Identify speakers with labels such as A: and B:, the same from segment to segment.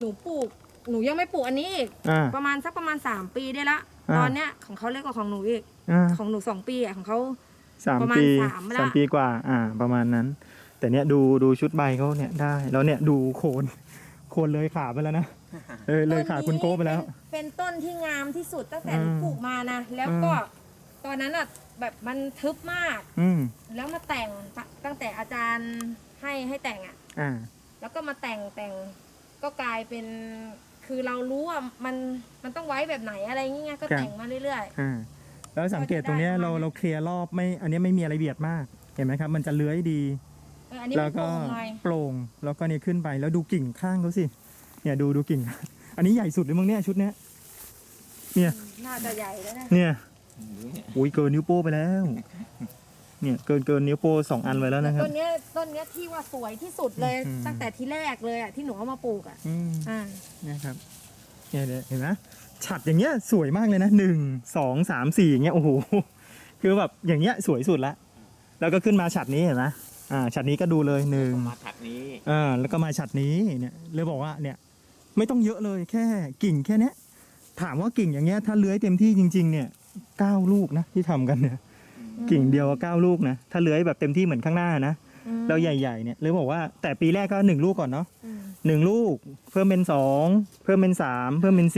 A: หนูปลูกหนูยังไม่ปลูกอันนี้อีกประมาณ3 ปีได้ละตอนเนี้ยของเขาเล็กกว่าของหนูอีกของหนู2 ปีอ่ะของเขาประมาณ3
B: ปีกว่าประมาณนั้น แต่เนี้ยดูชุดใบเขาเนี่ยได้แล้วเนี่ยดูโคนเลยขาไปแล้วนะเลยขาคุณโก้ไปแล้ว
A: เป็นต้นที่งามที่สุดตั้งแต่หนูปลูกมานะแล้วก็ตอนนั้นอ่ะแบบมันทึบมากแล้วมาแต่งตั้งแต่อาจารย์ให้แต่งอ่ะแล้วก็มาแต่งก็กลายเป็นคือเรารู้ว่ามันต้องไว้แบบไหนอะไรเงี้ยก็แต่งมาเรื่อย
B: ๆแล้วสังเกตตรงนี้เราเคลียร์รอบไม่อันนี้ไม่มีอะไรเบียดมากเห็นไหมครับมันจะเลื้อยดีแล้วก็โปร่งแล้วก็เนี่ยขึ้นไปแล้วดูกิ่งข้างเขาสิเนี่ยดูกิ่งอันนี้ใหญ่สุดเลยมั้งเนี่ยชุดเนี้ยเนี่ย
A: น่าจะใหญ่แล้วนะ
B: เนี่ยอุ้ยเกินนิ้วโป้ไปแล้วเนี่ยเกินนิ้วโป้2 อันไว้แล้วนะครับ
A: ต้นเนี้ยที่ว่าสวยที่สุดเลยตั้งแต่ที่แรกเลยอ่ะที่หนูเอามาปลูกอ่ะ
B: เนี่ยครับเนี่ยเห็นไหมฉัดอย่างเงี้ยสวยมากเลยนะ1 2 3 4อย่างเงี้ยโอ้โหคือแบบอย่างเงี้ยสวยสุดละแล้วก็ขึ้นมาฉัดนี้เห็นไหมฉัดนี้ก็ดูเลย1
C: มาฉัดนี้
B: แล้วก็มาฉัดนี้เนี่ยเลยบอกว่าเนี่ยไม่ต้องเยอะเลยแค่กิ่งแค่เนี้ยถามว่ากิ่งอย่างเงี้ยถ้าเลื้อยเต็มที่จริงๆเนี่ย9 ลูกนะที่ทำกันเนี่ยกิ่งเดียว9 ลูกนะถ้าเลื้อยแบบเต็มที่เหมือนข้างหน้านะเราใหญ่ๆเนี่ยเลยบอกว่าแต่ปีแรกก็1 ลูกก่อนเนาะ1 ลูกเพิ่มเป็น2เพิ่มเป็น3เพิ่มเป็น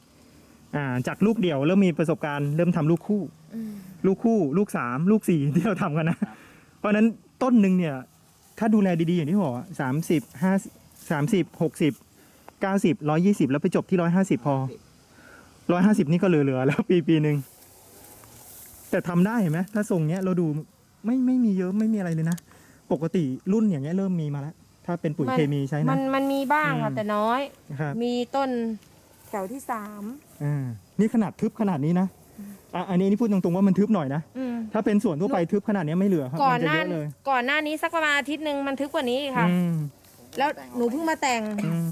B: 4จากลูกเดี่ยวเริ่มมีประสบการณ์เริ่มทำลูกคู่ลูก3ลูก4ที่เราทำกันนะเพราะนั้นต้นหนึ่งเนี่ยถ้าดูแลดีๆอย่างที่บอก30 50 60 90 120แล้วไปจบที่150พอ150นี่ก็เหลือแล้วปีหนึ่งแต่ทำได้เห็นไหมถ้าทรงเนี้ยเราดูไม่มีเยอะไม่มีอะไรเลยนะปกติรุ่นอย่างเงี้ยเริ่มมีมาแล้วถ้าเป็นปุ๋ยเคมีใช้นะ
A: มันมีบ้างค่ะแต่น้อยมีต้นแถวที่3
B: นี่ขนาดทึบขนาดนี้นะอันนี้พูดตรงๆว่ามันทึบหน่อยนะถ้าเป็นส่วนทั่วไปทึบขนาดนี้ไม่เหลือครับ
A: ก่อนหน้านี้สักประมาณอาทิตย์นึงมันทึบกว่านี้ค่ะแล้วหนูเพิ่งมาแต่ง